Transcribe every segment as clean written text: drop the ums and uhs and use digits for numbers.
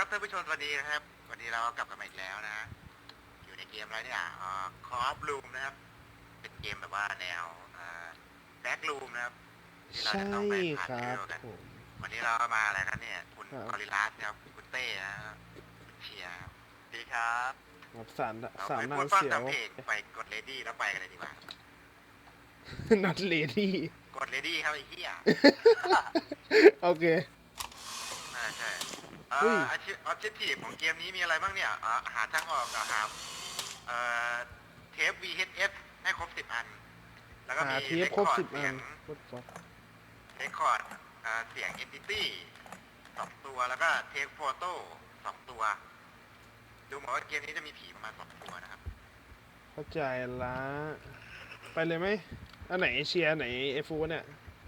ครับท่านผู้ชมสวัสดีนะครับวันนี้เรากลับกันมาอีกแล้วนะอยู่ในเกมอะไรเนี่ยคอฟลูมนะครับเป็นเกมแบบว่าแนวแบ็กลูมนะครับที่เราใช่จะต้องไปผ่านครัเรื่บองกันผมวันนี้เรามาอะไรกันเนี่ยคุณครับกอริลลาสครับคุณเต้นะครับคุณเชียร์ครับดีครับครับสามเราสามไม่นาพูงดฟังเสียตาว มเพลงไปกดเลดี้แล้วไปกันเลยดีกว่า not lady กดเลดี้ครับไอ้เหี้ยโอเคใช่อุ้ยออบเจกตีฟของเกมนี้มีอะไรบ้างเนี่ยหาทางออกครับเทป VHF ให้ครบ10 อัน แล้วก็หามีเทปครบ10 เสีอัยนง What the fuck เรคคอร์ดเสียง Entity 2 ตัวแล้วก็เทปโฟโต้2 ตัว ดูเหมือนว่าเกมนี้จะมีผีประมาณ2 ตัวนะครับเข้าใจละไปเลยไหมอันไหนเชียร์ไหนเอฟูเนี่ย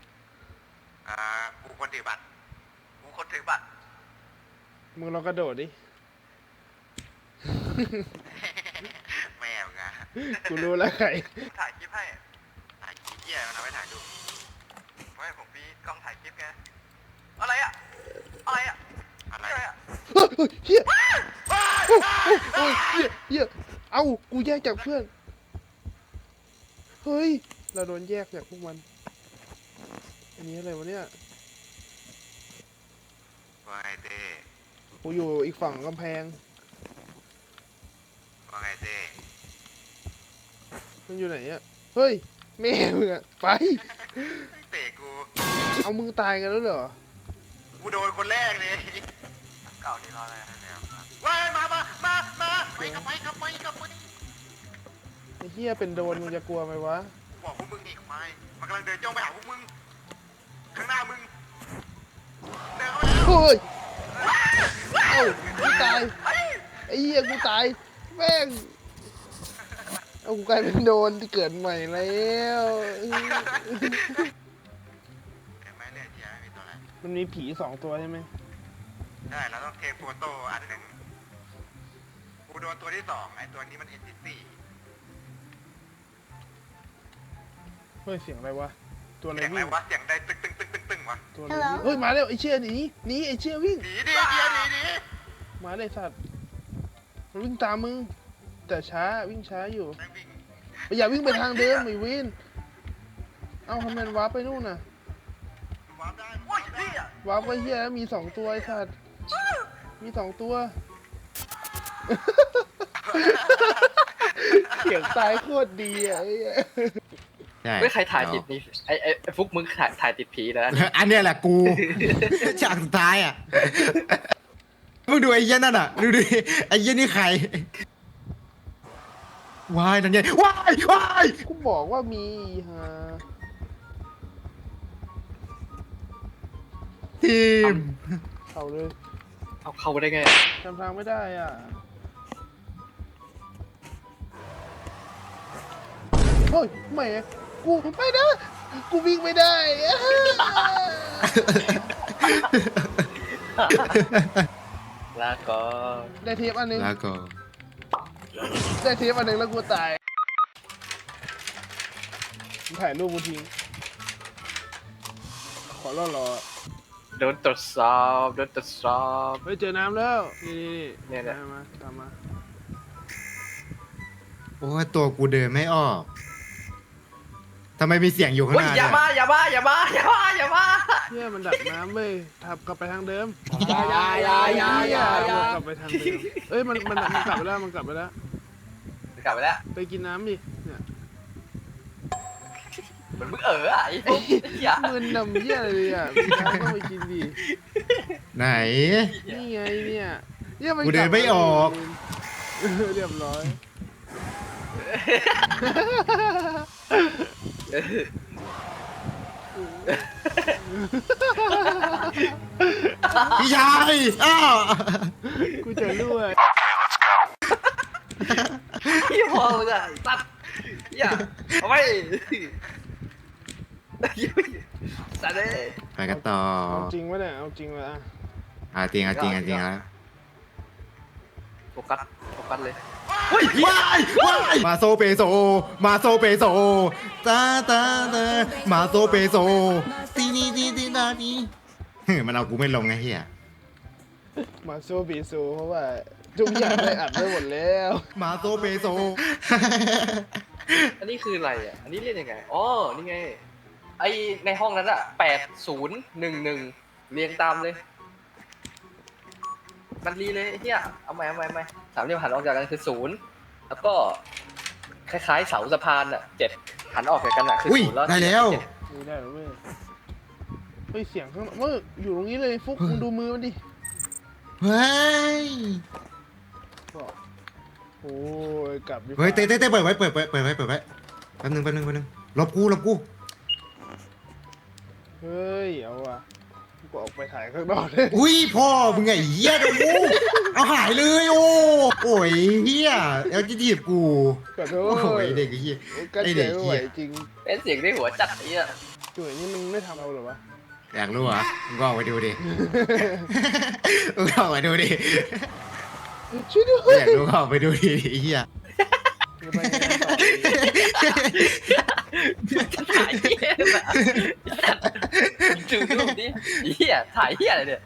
กูคนถือบัตรกูคนถือบัตรมึงลองกระโดดดิแม่มึงอะกูรู้แล้วใครถ่ายคลิปให้ถ่ายคลิปเหี้ยมันเอาไปถ่ายรูปไม่ผมมีกล้องถ่ายคลิปไงอะไรอะอะไรอะอะไรอะเฮ้ยเฮียโอ้ยเฮียเอ้ากูแยกจากเพื่อน เฮ้ย เราโดนแยกจากพวกมัน อันนี้อะไรวะเนี่ยว่าไงเต้กูอยู่อีกฝั่งกำแพงว่าไงเต้มันอยู่ไหนอะเฮ้ย แม่มึงอะไปเตะกูเอามึงตายกันแล้วเหรอกูโดนคนแรกเลยเก่าที่รออะไรแล้วว้ายมาไปกลับไปไอ้เหี้ยเป็นโดนมึงจะกลัวไหมวะบอกพวกมึงอีกไหมมันกำลังเดินจ้องไปหาพวกมึงข้างหน้ามึงเดินเข้ามาแล้วเฮ้ย เอ้ากูตาย ไอ้เหี้ยกูตาย แม่ง เอากูกลายเป็นโดนที่เกิดใหม่แล้วเห็นไหมเนี่ยเจียไม่มีตัวอะไรมันมีผี2 ตัวใช่ไหมใช่เราต้องเทคโฟโต้อันหนึ่งกูโดนตัวที่ 2ไอ้ตัวนี้มัน NPC เฮ้ย เสียงอะไรวะ ตัวอะไรเสียงอะไรวิ่งวะเสียงใดตึงวะตัวอะไรวิ่งเฮ้ย มาแล้วไอ้เชี่ยหนีไอ้เชี่ยวิ่งหนีดิเจียหนีมาเลยสัตว์ มันวิ่งตามมึง แต่ช้าวิ่งช้าอยู่แม่งวิ่งอย่าวิ่งไปทางเดิมไอ้วิน เอ้าทำไมมันวาร์ปไปนู่นน่ะวาร์ปได้โอ้ยพี่วาร์ปไปเฮียมี2 ตัวไอ้สัตว์ มี2 ตัว เสียงตายโคตรดีอ่ะไอ้เหี้ยใช่ไม่ใครถ่ายติดนี่ไอ้ฟุกมึงถ่ายติดผีแล้วนะอันเนี้ยแหละกู ฉากสุดท้ายอ่ะมึงดูไอ้เหี้ยนั่นอ่ะดูดิไอ้เหี้ยนี่ใครวายนั่นไงวายกูบอกว่ามีฮะทีมเข้าเลยเอาเข้าไปได้ไงจำทางไม่ได้อ่ะ เฮ้ยแหม่กูไม่นะ กูวิ่งไม่ได้อะลาก่อนได้เทปอันหนึงแล้วก็ได้เทปอันหนึงแล้วกูตายมึงถ่ายรูปกูทิ้งขอรอโดนตรวจสอบโดนตรวจสอบเฮ้ยเจอน้ำแล้ว นี่เนี่ยตามมาตามมาโอ้ยตัวกูเดินไม่ออกทำไมมีเสียงอยู่ข้างเฮ้หยน้าอย่าเนี่ยมาอย่ามาเฮียมันดักน้ำเว้ยทับกลับไปทางเดิมอย่ากลับไปทางเดิมเอ้ยมันกลับไปแล้วมันกลับไปแล้วกลับไปแล้วไปกินน้ำดิเนี่ยเหมือนมึงอ่ะไอ้ฟุกอย่ามึนนำเยี่ยอะไรเลยอ่ะมีน้ำต้องไปกินดิไหนนี่ไงเนี่ยเนี่ยมันกูเดินไม่ออกเรียบร้อยพี่ชายอ้าวกูจะรั่วพี่พอมึงอ่ะตัดอย่าเอาไปสัตว์เลยไปกันต่อเอาจริงวะเนี่ยเอาจริงวะอ่ะจริงแล้วโฟกัสเลยว้ายมาโซเปโซตามาโซเปโซตีนีมันเอากูไม่ลงไงเฮียมาโซบีโซเพราะว่าทุกอย่างได้อัดไว้หมดแล้วมาโซเบโซอันนี้คืออะไรอ่ะ อันนี้เรียกยังไง อ๋อ นี่ไง ไอในห้องนั้นอ่ะ8011เรียงตามเลย มันรีเลยไอ้เฮียเอาใหม่สามเหลี่ยมหันออกจากกันคือ0แล้วก็คล้ายๆเสาสะพานอ่ะ7หันออกจากกันอ่ะคืออุ้ย 0แล้วได้แล้วนี่ได้แล้วเว้ยเฮ้ยเสียงข้างเมื่ออยู่ตรงนี้เลยฟุกมึงดูมือมันดิเฮ้ยบอกโอ้ยกลับดีกว่าเฮ้ยเต้เปิดไว้แป๊บนึงลบกูเฮ้ยเอาว่ะกูออกไปถ่ายข้างนอกเลยอุ้ยพ่อมึงไงเหี้ยดูเอาหายเลยโอ้ยเหี้ยเอาจีจีบกูขอโทโอ้ษยเด็กไอ้เหี้ยกันไอ้ใจเด็กไม่เหี้ไหวย จริงเป็นเสียงในหัวจัดไอ้เฮียจุ๋ยนี่มึงไม่ทำเอาเหรอวะอยากรู้เหรอมึงก็ออกไปดูดิมึงก็ออกไปดูดิช่วยด้วอย ยากรู้ก็ออกไปดูดิไอ้เหี้ยจะไปยังไงต่อดีถ่ายเฮียแบบดูรูปดิเฮียถ่ายเฮียอะไรเนี่ย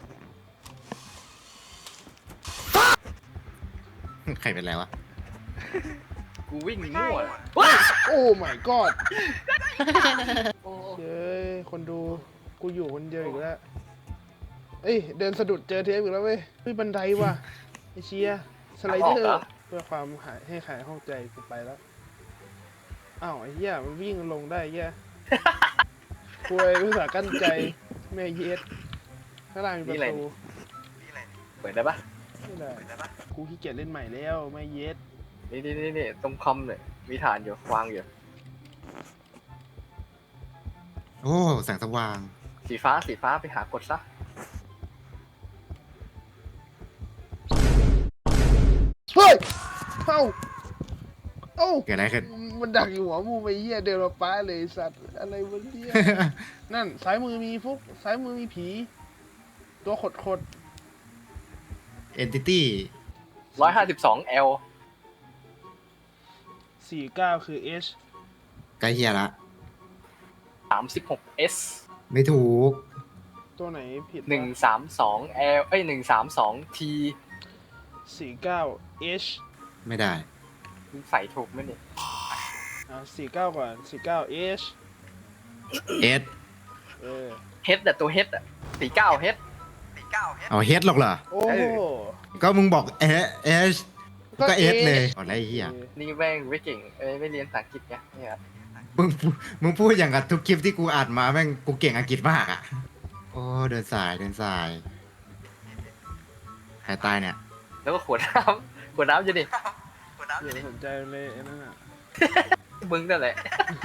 ใครเป็นไรวะกูวิ่งมั่วว้าโอ้ my god โอ้เย้ยคนดูกูอยู่คนเดียวอีกแล้วเอ้ยเดินสะดุดเจอเทปอีกแล้วเว้ยเฮ้ยบันไดว่ะไอเชียสไลเดอร์เพื่อความหายให้ขายห้องใจกูไปแล้วอ้าวไอ้เหี้ยมันวิ่งลงได้เหี้ยป่วยภาษาห์กั้นใจแม่เย็ดข้างล่างมีประตูเปิดได้ปะไม่ได้กูขี้เกียจเล่นใหม่แล้วแม่เย็ดนี่ตรงคอมเนี่ยมีฐานอยู่วางอยู่โอ้แสงสว่างสีฟ้าไปหากดซะเฮ้ยเอ้าเอ้าเกิดอะไรขึ้นมันดักอยู่หัวมูไปเหี้ยเดินมาป้าเลยสัตว์อะไรวะเนี่ย นั่นซ้ายมือมีฟุกซ้ายมือมีผี ตัวขด Entity 152L 49คือ H ใกล้เฮียละ 36S ไม่ถูกตัวไหนผิดวะ 132L เอ้ย 132T 49 H ไม่ได้มึงใส่ถูกไหมเนี่ย 49 ก่อน 49 H S เออ H แต่ตัว H อ่ะ49H เอาเฮดหรอกเหรอโอ้โหก็มึงบอกเอชก็เอสเลยอะไรเฮียนี่แม่งไม่เก่งไม่เรียนภาษาอังกฤษไงเนี่ยมึงพูดอย่างกับทุกคลิปที่กูอ่านมาแม่งกูเก่งอังกฤษมากอ่ะ โอ้เดินสายใครตายเนี่ยแล้วก็ขวดน้ำจะดิอย่าสนใจเลยไอ้นั่นอ่ะมึงนั่นแหละ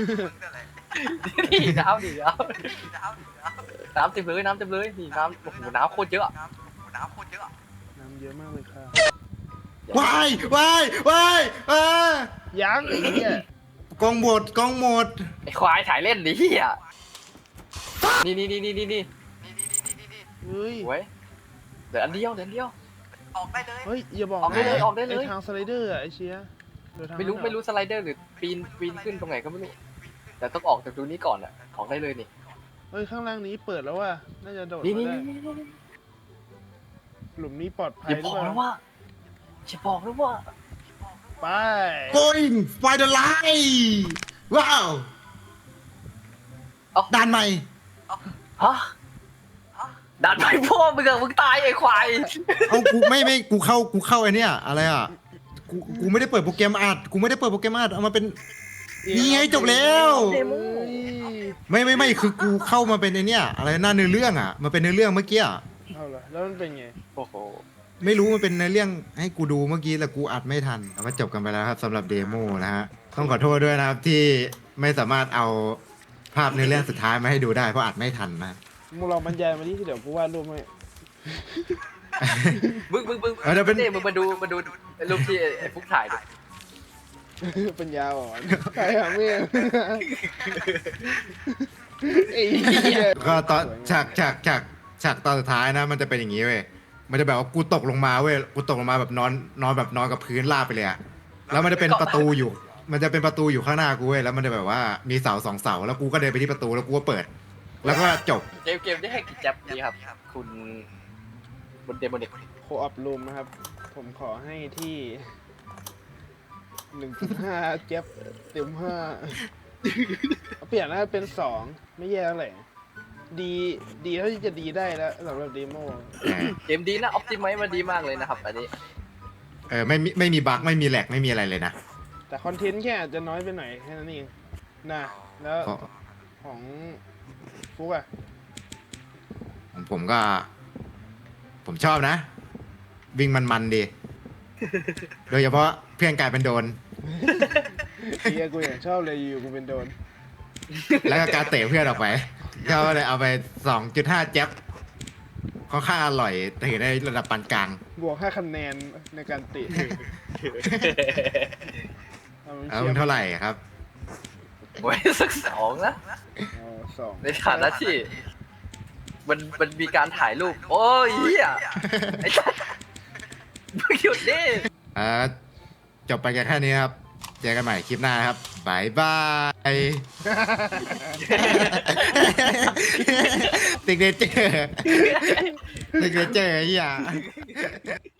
นี่น้ำเต็มเลยนี่น้ำโอ้โหน้ำโคตรเยอะน้ำเยอะมากเลยค่ะวายวยังไอ้เหี้ยกล้องหมดไอ้ควายถ่ายเล่นดิเฮียนี่เฮ้ยไว้เดี๋ยวอันเดียวเฮ้ยอย่าบอกออกได้เลยไอ้ทางสไลเดอร์อะไอ้เชียเดินทางไม่รู้สไลเดอร์หรือปีนขึ้นตรงไหนก็ไม่รู้แต่ต้องออกจากตรงนี้ก่อนอ่ะออกได้เลยนี่เฮ้ยข้างล่างนี้เปิดแล้วว่ะน่าจะโดดนี่มาได้หลุมนี้ปลอดภัยอย่าหบรืออกเปล่านะว่าไป going find the light ว้าวด่านใหม่ฮะดันไปพ่อมึงอะมึงตายไอ้ควายเอากูไม่กูเข้าไอเนี้ยอะไรอ่ะกูไม่ได้เปิดโปรแกรมอัดเอามาเป็นนี่ไงจบแล้วเฮ้ยไม่คือกูเข้ามาเป็นไอเนี้ยอะไรหน้าเนื้อเรื่องอ่ะมันเป็นเนื้อเรื่องเมื่อกี้อ่ะเอาเหรอแล้วมันเป็นไงโอ้โหไม่รู้มันเป็นเนื้อเรื่องให้กูดูเมื่อกี้แล้วกูอัดไม่ทันแต่ว่าจบกันไปแล้วครับสำหรับเดโมนะฮะต้องขอโทษด้วยนะครับที่ไม่สามารถเอาภาพเนื้อเรื่องสุดท้ายมาให้ดูได้เพราะอัดไม่ทันนะมึงลองบรรยายมาที่เดี๋ยวกูวาดรูปให้มึงเดี๋ยวเป็นนี่มึงมาดูรูปที่ไอ้ฟุกถ่ายดิปัญญาอ่อนใครหาเมียไอ้เหี้ยก็ตอนฉากตอนสุดท้ายนะมันจะเป็นอย่างนี้เว้ยมันจะแบบว่ากูตกลงมาเว้ยกูตกลงมาแบบนอนกับพื้นราบไปเลยอะแล้วมันจะเป็นประตูอยู่ มันจะเป็นประตูอยู่ข้างหน้ากูเว้ยแล้วมันจะแบบว่ามีเสา2 เสาแล้วกูก็เดินไปที่ประตูแล้วกูก็เปิด แล้วก็จบเกมได้ให้กี่จับดีครับ คุณบนเดโมนิกโคออฟรูมนะครับ ผมขอให้ที่ 1.5 เจ็บเต็ม5เอาเปลี่ยนแล้วเป็น 2 ไม่แย่เท่าไหร่ดีเท่าที่จะดีได้แล้วสำหรับเดโมเกมดีนะออ t ติไมซ์มาดีมากเลยนะครับอันนี้ไม่มีบั๊กไม่มีแหลกไม่มีอะไรเลยนะแต่คอนเทนต์แค่อาจจะน้อยไปหน่อยแค่นั้นเองนะแล้วเพราะของฟุกอะผมก็ ผมชอบนะ วิ่งมันๆดี โดยเฉพาะเพื่อนกลายเป็นโดนเฮียกูอย่างชอบเลยอยู่กูเป็นโดนแล้วก็การเตะเพื่อนออกไปก็เลยเอาไป 2.5 แจ๊บค่อนข้างอร่อยแต่ถือได้ระดับปานกลางบวก5คะแนนในการเตะเอาเท่าไหร่ครับไว้สัก2นะเอา2 ในฐานะที่ มันมีการถ่ายรูป โอ้ยเฮียไอ้สัสมึงหยุดดิจบไปกันแค่นี้ครับ เจอกันใหม่คลิปหน้านะครับบายบายติ๊กเนเจอร์ไอ้เหี้ย